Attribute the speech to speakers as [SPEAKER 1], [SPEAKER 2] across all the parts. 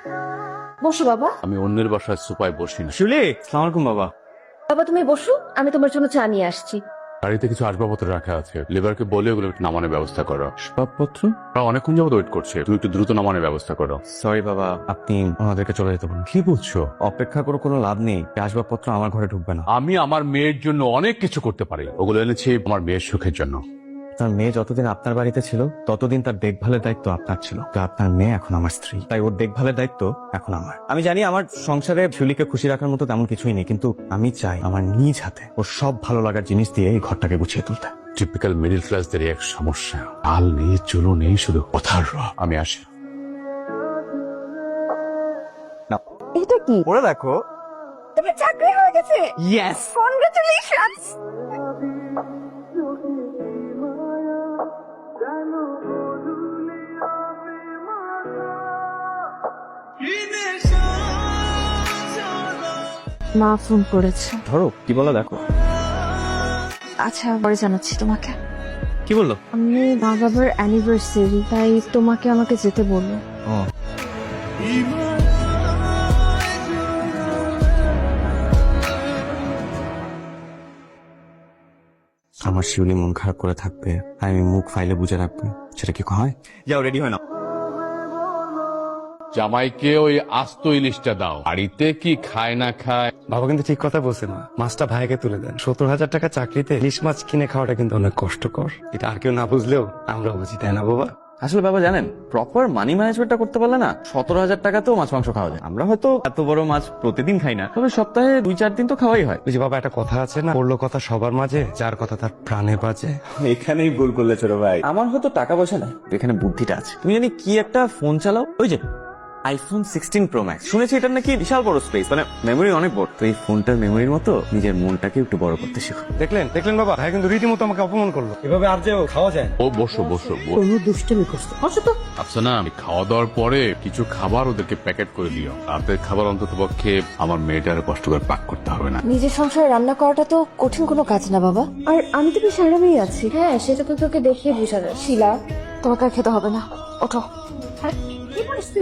[SPEAKER 1] বসো বাবা।
[SPEAKER 2] আমি অন্যের বাসায় সোফায় বসি না।
[SPEAKER 3] শিউলি, আসসালামু আলাইকুম বাবা।
[SPEAKER 1] বাবা তুমি বসো, আমি তোমার জন্য চা নিয়ে আসছি।
[SPEAKER 2] গাড়িতে কিছু আসবাবপত্র রাখা আছে, লেবারকে বলে ওগুলো একটু নামানোর ব্যবস্থা করো।
[SPEAKER 3] আসবাবপত্র?
[SPEAKER 2] ওরা অনেকক্ষণ যাবত ওয়েট করছে, তুই একটু দ্রুত নামানোর ব্যবস্থা করো।
[SPEAKER 3] সরি বাবা, আপনি ওনাদেরকে চলে যেতে বলুন।
[SPEAKER 2] কি বলছো?
[SPEAKER 3] অপেক্ষা করে কোনো লাভ নেই, আসবাবপত্র আমার ঘরে ঢুকবে না।
[SPEAKER 2] আমি আমার মেয়ের জন্য অনেক কিছু করতে পারি, ওগুলো এনেছি আমার মেয়ের সুখের জন্য।
[SPEAKER 3] তার মেয়ে যতদিন আপনার বাড়িতে ছিল ততদিন তার দেখভালের দায়িত্ব আপনার ছিল, তো আপনার মেয়ে এখন আমার স্ত্রী, তাই ওর দেখভালের দায়িত্ব এখন আমার। আমি জানি আমার সংসারে শিউলিকে খুশি রাখার মতো তেমন কিছুই নেই, কিন্তু আমি চাই আমার নিজ হাতে ওর সব ভালো লাগার জিনিস দিয়ে এই ঘরটাকে গুছিয়ে তুলতে।
[SPEAKER 2] টিপিক্যাল মিডিল ক্লাসদের এক সমস্যা, আল নেই চুলো নেই, শুধু কথার রব। আমি আসি।
[SPEAKER 1] এটা কি?
[SPEAKER 3] পড়ে দেখো।
[SPEAKER 1] তোমার চাকরি হয়ে গেছে?
[SPEAKER 3] ইয়েস।
[SPEAKER 1] কনগ্রাচুলেশনস। মা ফোন করেছে।
[SPEAKER 3] ধরো, কি বলো দেখো।
[SPEAKER 1] আচ্ছা পরে জানাচ্ছি তোমাকে।
[SPEAKER 3] কি বললো?
[SPEAKER 1] আমি মা বাবার অ্যানিভার্সারি, তাই তোমাকে আমাকে যেতে বললো।
[SPEAKER 3] ও, আমার শিউলি মন খারাপ করে থাকবে, আমি মুখ ফাইলে বুঝে রাখবো, সেটা কি হয়? যাও রেডি হয় না।
[SPEAKER 2] জামাইকে ওই আস্ত ইলিশটা দাও, বাড়িতে কি খায় না খায়।
[SPEAKER 4] বাবা কিন্তু ঠিক কথা বলছে না, মাছটা ভাইকে তুলে দেন। 70,000 টাকা চাকরিতে ইলিশ মাছ কিনে খাওয়াটা কিন্তু অনেক কষ্টকর। এটা আর কেউ না বুঝলেও আমরা বুঝি, তাই না বাবা?
[SPEAKER 3] আসলে বাবা জানেন, প্রপার মানি ম্যানেজমেন্টটা করতে পারলে না 17,000 টাকাতেও মাছ মাংস খাওয়া যায়। আমরা হয়তো এত বড় মাছ প্রতিদিন খাই না, তবে সপ্তাহে 2-4 দিন তো খাওয়াই হয়।
[SPEAKER 4] ওই যে বাবা একটা কথা আছে না, পড়লো কথা সবার মাঝে, যার কথা তার প্রাণে বাজে।
[SPEAKER 3] এখানেই ভুল করলে ছোট ভাই। আমার হয়তো টাকা পয়সা নাই, এখানে বুদ্ধিটা আছে। তুমি জানি কি একটা ফোন চালাও, ওই যে আইফোন 16 প্রো ম্যাক্স। শুনেছি এটার নাকি বিশাল বড় স্পেস, মানে মেমোরি অনেক বড়। তো এই ফোনটার মেমোরির মতো নিজের মনটাকে একটু বড় করতে শিখো।
[SPEAKER 4] দেখলেন দেখলেন বাবা, ভাই কিন্তু রীতিমতো আমাকে অপমান করলো। এভাবে আর যে খাওয়া যায়?
[SPEAKER 2] ও বসো বসো বসো।
[SPEAKER 1] কোনো দুষ্টুমি করছে, বসো তো।
[SPEAKER 2] আফসানা, আমি খাওয়া দাওয়ার পরে কিছু খাবার ওদেরকে প্যাকেট করে দিও। রাতের খাবার অন্তত পক্ষে আমার মেয়েটার কষ্ট করে পাক করতে হবে না।
[SPEAKER 1] নিজের সংসারে রান্না করাটা তো কঠিন কোনো কাজ না বাবা। আর আমি তো বেশ আরামেই আছি। হ্যাঁ সেটা তো তোকে দেখিয়ে বোঝা যায়। শিলা, তোমাকে আর খেতে হবে না, ওঠো। হ্যাঁ, কি পরিস্থিতি?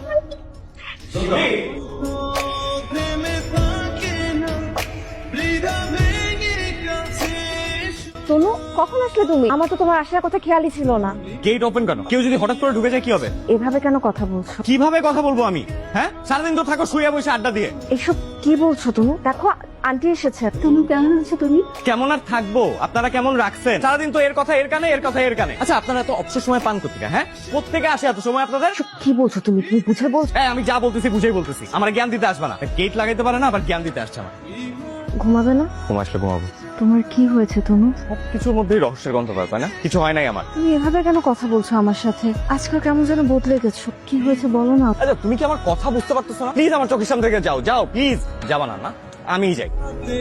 [SPEAKER 1] তনু, কখন আসলে তুমি? আমার তো তোমার আসার কথা খেয়ালই ছিল না।
[SPEAKER 3] গেট ওপেন কেন? কেউ যদি হঠাৎ করে ঢুকে যায় কি হবে?
[SPEAKER 1] এভাবে কেন কথা বলছো?
[SPEAKER 3] কিভাবে কথা বলবো আমি? হ্যাঁ, সারাদিন তো থাকো শুয়ে বসে আড্ডা দিয়ে।
[SPEAKER 1] এসব কি বলছো তনু? দেখো আন্টি এসেছে। তনু কেমন আছো তুমি?
[SPEAKER 3] কেমন আর থাকবো? আপনারা কেমন রাখছেন? সারাদিন তো এর কথা এর কানে, এর কথা এর কানে। আচ্ছা, আপনারা তো অবসর সময় পান করতে, হ্যাঁ? কোত্থেকে আসে এত সময় আপনাদের?
[SPEAKER 1] এসব কি বলছো তুমি? তুমি বুঝে বলছো?
[SPEAKER 3] হ্যাঁ, আমি যা বলতেছি বুঝেই বলতেছি। আমার জ্ঞান দিতে আসবে না। গেট লাগাইতে পারে না, আবার জ্ঞান দিতে আসছে আমার।
[SPEAKER 1] ঘুমাবে না?
[SPEAKER 3] ঘুম আসলে ঘুমাবো।
[SPEAKER 1] তোমার কি হয়েছে তনু?
[SPEAKER 3] সবকিছুর মধ্যেই রহস্যের গন্ধ পায়, তাই না? কিছু হয় নাই আমার।
[SPEAKER 1] তুমি এভাবে কেন কথা বলছো আমার সাথে? আজকাল কেমন যেন বদলে গেছো। কি হয়েছে বলো না।
[SPEAKER 3] আচ্ছা, তুমি কি আমার কথা বুঝতে পারতেছো না? প্লিজ আমার চোখের সামনে থেকে যাও, যাও প্লিজ। যাবা না? না, আমিই যাই।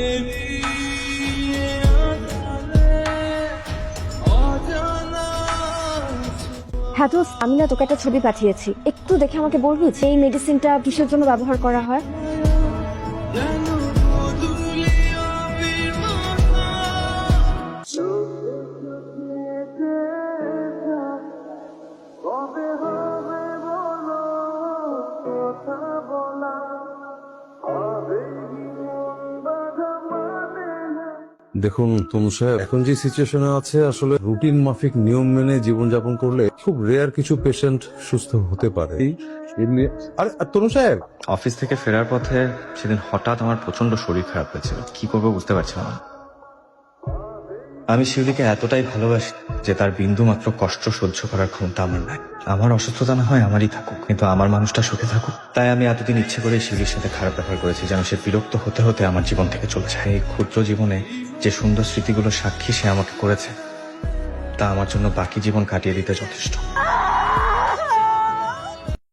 [SPEAKER 1] হ্যাঁ দোস্ত, আমি না তোকে একটা ছবি পাঠিয়েছি, একটু দেখে আমাকে বলবি যে এই মেডিসিনটা কিসের জন্য ব্যবহার করা হয়?
[SPEAKER 5] দেখুন তনু সাহেব, এখন যে সিচুয়েশনে আছে, আসলে রুটিন মাফিক নিয়ম মেনে জীবনযাপন করলে খুব রেয়ার কিছু পেশেন্ট সুস্থ হতে পারে। আরে তনু সাহেব,
[SPEAKER 6] অফিস থেকে ফেরার পথে সেদিন হঠাৎ আমার প্রচন্ড শরীর খারাপ হয়েছিল। কি করবো বুঝতে পারছিলাম না। আমি শিউলিকে এতটাই ভালোবাসি যে তার বিন্দু মাত্র কষ্ট সহ্য করার ক্ষমতা আমার নাই। আমার অসুস্থতা না হয় আমারই থাকুক, কিন্তু আমার মানুষটা সুখে থাকুক। তাই আমি এতদিন ইচ্ছে করে শিউলির সাথে খারাপ ব্যবহার করেছি, যেন সে বিরক্ত হতে হতে আমার জীবন থেকে চলে যায়। এই ক্ষুদ্র জীবনে যে সুন্দর স্মৃতিগুলো সাক্ষী সে আমাকে করেছে, তা আমার জন্য বাকি জীবন কাটিয়ে দিতে যথেষ্ট।